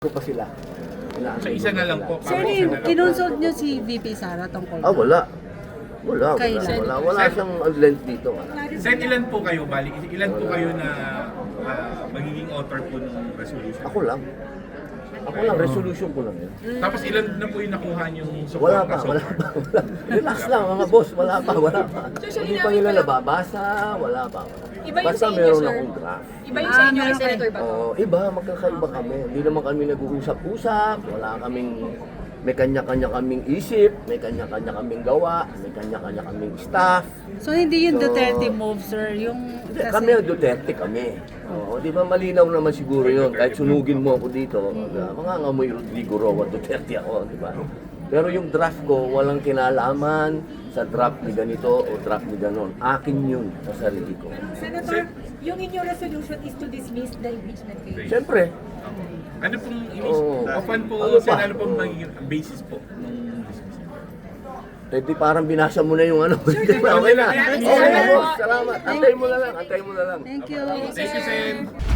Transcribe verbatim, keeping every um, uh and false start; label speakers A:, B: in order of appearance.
A: ko pa sila.
B: So isa na lang po.
C: Sir,
B: parang isa na lang po.
C: kinonsult niyo si V P Sara tungkol
A: Ah, wala. Wala, wala,
C: Kailan?
A: wala. Wala siyang length dito. Wala.
B: Sen, ilan po kayo, bali? Ilan po kayo na ah, magiging author po ng resolution?
A: Ako lang. Ako lang, resolution ko lang yun.
B: Tapos ilan na po yung nakuha niyong support?
A: Wala pa, wala pa, wala. Relax lang mga boss, wala pa, wala pa. Hindi pa nila nababasa, wala pa.
D: Iba yung
A: Basta
D: sa inyo,
A: meron
D: sir.
A: akong draft.
D: Iba yung sa inyo
C: Ah,
D: kay
C: meron
D: Senator Bato.
A: Oo, iba, magkakaiba kami. Hindi naman kami nag-uusap-usap, wala kaming, may kanya-kanya kaming isip, may kanya-kanya kaming gawa, may kanya-kanya kaming staff.
C: So hindi yung
A: So,
C: Duterte move, sir, yung
A: Hindi, kami ang Duterte kami. Oo, di ba malinaw naman siguro yun, kahit sunugin mo ako dito, uh, mga ngamoy Rodrigo Roa Duterte ako, di ba? Pero yung draft ko, walang kinalaman sa draft ni ganito o draft ni ganon. Akin yun sa sarili ko.
D: Senator, yung inyong resolution is to dismiss the impeachment case.
A: Siyempre,
B: Ano pong inis?
A: Oo.
B: Open po,
A: Ano
B: Sen,
A: pa?
B: ano pong
A: Oo.
B: magiging basis po nung dismissal?
A: eh di parang binasa mo na yung ano. okay na. Okay na, boss. Salamat. Antay mo na lang, antay mo na lang.
C: Thank you.
B: Thank you, Sen.